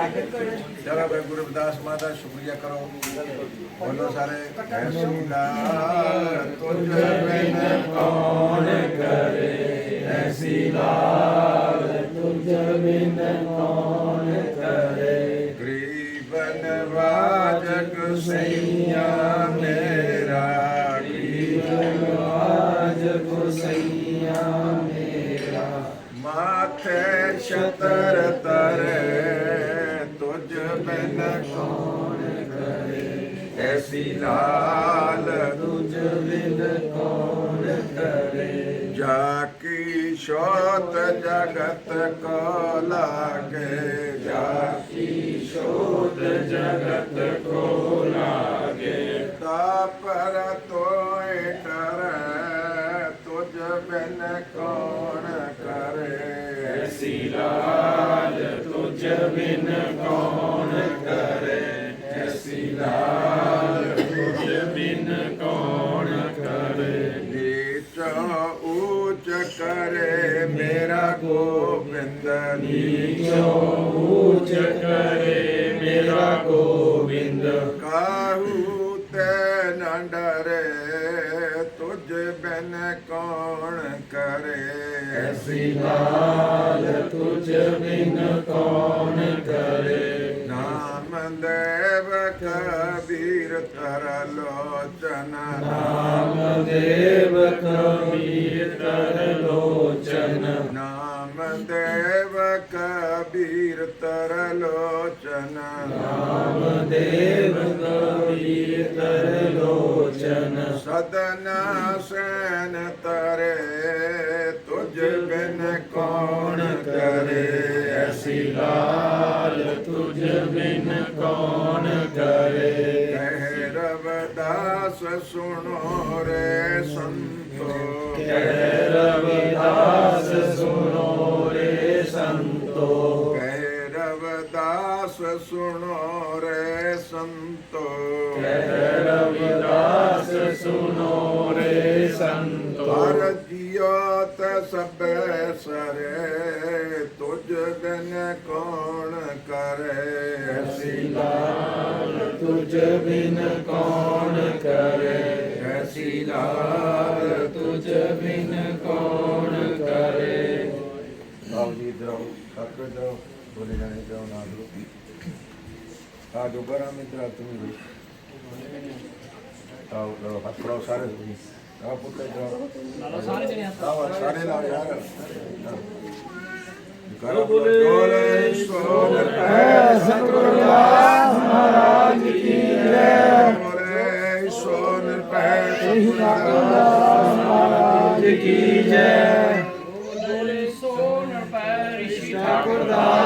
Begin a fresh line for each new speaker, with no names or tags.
चलो भाई गुरु रविदास माता शुक्रिया करो बोलो सारे तुझ बिन कौन करे ऐसी लाल तुझ बिन कौन करे गरीबन वाजक सैया मेरा गरीबन वाजक सैया मेरा माथे छतर तरे तुझ बिन कौन करे ऐसी लाल तुझ बिन कौन करे जाकी शोत जगत को लागे जाकी शोत जगत को लागे तापर तोय करे तुझ बिन कौन करे ऐसी लाल तुझ बिन कौन करे ऐसी लाल तुझ बिन कौन करे नीच ऊंच करे मेरा गोविंद नीच ऊंच करे मेरा गोविंद काहू ते न डरे तुझ बिन कौन करे ऐसी लाल तुझ बिन कौन करे नाम Namdev Kabir Trilochan Namdev Kabir Trilochan Namdev Kabir Trilochan Namdev Kabir Trilochan Sadhna Sain तरे तुझ बिन कौन करे ऐसी लाल तुझ बिन कौन करे कह रविदास सुनो रे संतो कह रविदास सुनो रे संतो कह रविदास सुनो रे संतो कह रविदास सुनो रे संतो हर जियोत सब सरे तुझ बिन कौन करे ऐसी लाल तुझ बिन कौन करे ऐसी लाल तुझ बिन कौन करे आओ जी इधर आओ आपको जाओ बोले जाने जाओ ना दो आ दोबारा में इधर तुम भी आओ हाथ पड़ाओ सारे आओ पुत्र जाओ सारे जने आओ सारे लाओ यार करो बोले सोनर सतगुरु रविदास महाराज की जय बोले सोनर सतगुरु रविदास महाराज की जय बोले सोनर ऋषि ठाकुर दास